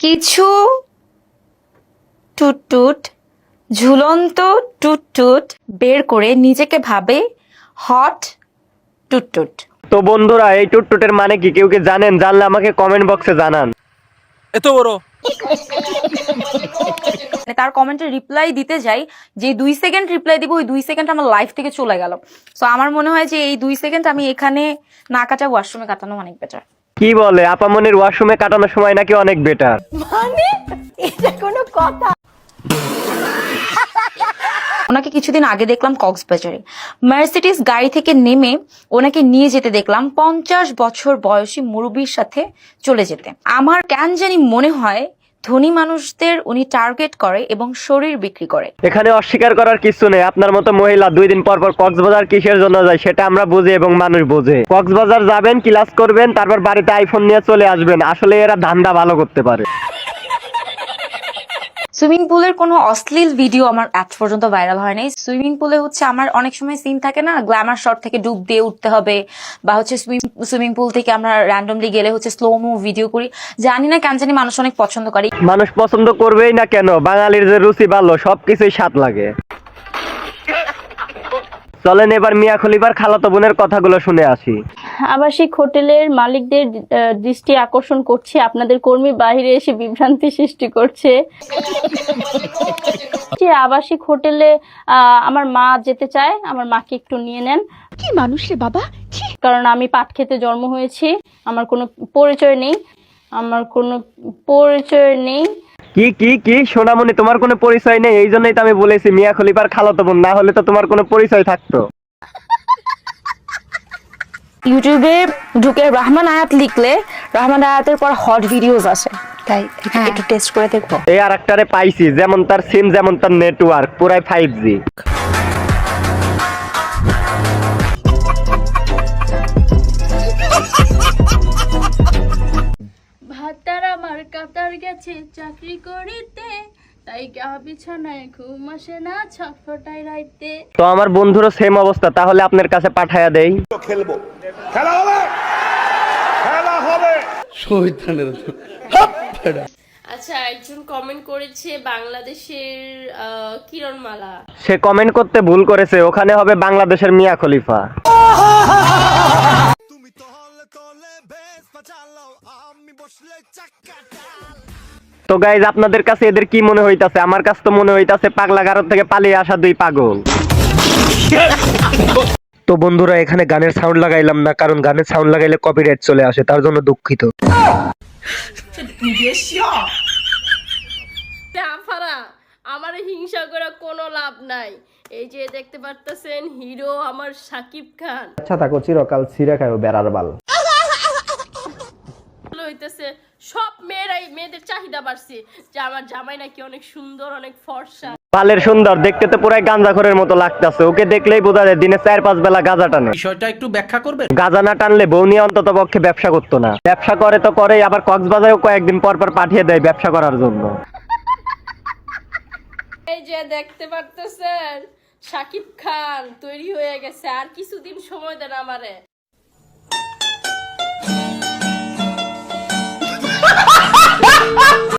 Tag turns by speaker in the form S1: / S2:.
S1: কিছু টুটটুট ঝুলন্ত টুটটুট বের করে নিজেকে ভাবে হট টুটটুট।
S2: তো বন্ধুরা, এই টুটটুটের মানে কি কেউ কি জানেন? জানলে আমাকে কমেন্ট বক্সে জানান।
S3: এত বড়
S1: তার কমেন্টে রিপ্লাই দিতে যাই, যে 2 সেকেন্ড রিপ্লাই দিব, ওই 2 সেকেন্ড আমার লাইফ থেকে চলে গেল। সো আমার মনে হয় যে এই 2 সেকেন্ড আমি এখানে না কাটা ওয়াশরুমে কাটানো অনেক বেটার।
S2: কি বলে আপামনির ওয়াশরুমে কাটানোর সময় নাকি অনেক বেটার?
S1: মানে এটা কোনো কথা? ওনাকে কিছুদিন আগে দেখলাম কক্সবাজারে মার্সিডিজ গাড়ি থেকে নেমে ওনাকে নিয়ে যেতে দেখলাম 50 বছর বয়সী মুরব্বীর সাথে চলে যেতে। আমার কেন জানি মনে হয় ধনী মানুষদের উনি টার্গেট করে এবং শরীর বিক্রি করে।
S2: এখানে অস্বীকার করার কিছু নেই। আপনার মতো মহিলা 2 দিন পর পর কক্সবাজার কিসের জন্য যায় সেটা আমরা বুঝি এবং মানুষ বোঝে। কক্সবাজার যাবেন, ক্লাস করবেন, তারপর বাড়িতে আইফোন নিয়ে চলে আসবেন। আসলে এরা ধান্দা ভালো করতে পারে।
S1: সুইমিং পুলের কোনো অশ্লীল ভিডিও আমার আজ পর্যন্ত ভাইরাল হয় নাই। সুইমিং পুলে হচ্ছে আমার অনেক সময় সিন থাকে না, গ্ল্যামার শট থেকে ডুব দিয়ে উঠতে হবে, বা হচ্ছে সুইমিং পুল থেকে আমরা র্যান্ডমলি গেলে হচ্ছে স্লোমো ভিডিও করি। জানি না কেন জানি মানুষ অনেক পছন্দ করে।
S2: মানুষ পছন্দ করবেই না কেন? বাঙালির যে রুচি ভালো, সবকিছুই স্বাদ লাগে। চলেন এবার মিয়া খলিফার খালাতো বোনের কথাগুলো শুনে আসি।
S4: আবাসিক হোটেলের মালিকদের দৃষ্টি আকর্ষণ করছে, আপনাদের কর্মী বাইরে এসে বিভ্রান্তি সৃষ্টি করছে। যে আবাসিক হোটেলে আমার মা যেতে চায়, আমার মাকে একটু নিয়ে নেন।
S5: কি মানুষ রে বাবা,
S4: কারণ আমি পাট খেতে জন্ম হয়েছি, আমার কোনো পরিচয় নেই, আমার কোনো পরিচয় নেই।
S2: কি কি কি সোনামণি, তোমার কোনো পরিচয় নেই? এই জন্যই তো আমি বলেছি মিয়া খলিফার খালাতো বোন, না হলে তো তোমার কোনো পরিচয় থাকতো।
S1: ইউটিউবে ঢুকে রহমান আয়াত লিখলে রহমান আয়াতের পর হট ভিডিওস আসে, তাই একটু টেস্ট করে দেখবো।
S2: এই আরেকটারে পাইছি, যেমন তার সিম যেমন তার নেটওয়ার্ক, পুরাই 5G।
S4: ভাতার আমার কাতার গেছে চাকরি করিতে, তাই গা বিছানায় ঘুম আসে না ছটফটায় রাইতে।
S2: তো আমার বন্ধুরও সেম অবস্থা, তাহলে আপনার কাছে পাঠায়া দেই।
S6: খেলবো, খেলা হবে, খেলা হবে।
S7: আচ্ছা, একজন কমেন্ট করেছে বাংলাদেশের কিরণমালা।
S2: সে কমেন্ট করতে ভুল করেছে, ওখানে হবে বাংলাদেশের মিয়া খলিফা। তো গাইজ, আপনাদের কাছে এদের কি মনে হইতাছে? আমার কাছে তো মনে হইতাছে পাগলা গারদ থেকে পালিয়ে আসা 2 পাগল। তো বন্ধুরা, এখানে গানের সাউন্ড লাগাইলাম না, কারণ গানের সাউন্ড লাগাইলে কপিরাইট চলে আসে, তার জন্য দুঃখিত।
S7: আফারা, আমার হিংসা করে কোনো লাভ নাই। এই যে দেখতে পারতেছেন, হিরো আমার শাকিব খান।
S8: আচ্ছা থাকো, চিরকাল ছিঁড়ে খাইও বেড়ার বাল।
S7: হইতেছে সব মেয়েদের চাহিদা বাড়ছে যে আমার জামাই নাকি অনেক সুন্দর, অনেক ফর্সা।
S2: বালের সুন্দর, দেখতে তো পুরাই গাঁজাখোরের মতো লাগতেছে। ওকে দেখলেই বোঝা যায় দিনে 4-5 বেলা গাঁজা টানে।
S3: বিষয়টা একটু ব্যাখ্যা করবেন?
S2: গাঁজা না টানলে বউ নিয়ে অন্তত পক্ষে ব্যবসা করতো না। ব্যবসা করে তো করেই, আবার কক্সবাজারেও কয়েকদিন পর পর পাঠিয়ে দেয় ব্যবসা করার জন্য।
S7: এই যে দেখতে পারতেছেন, শাকিব খান তৈরি হয়ে গেছে, আর কিছুদিন সময় দেন আমারে।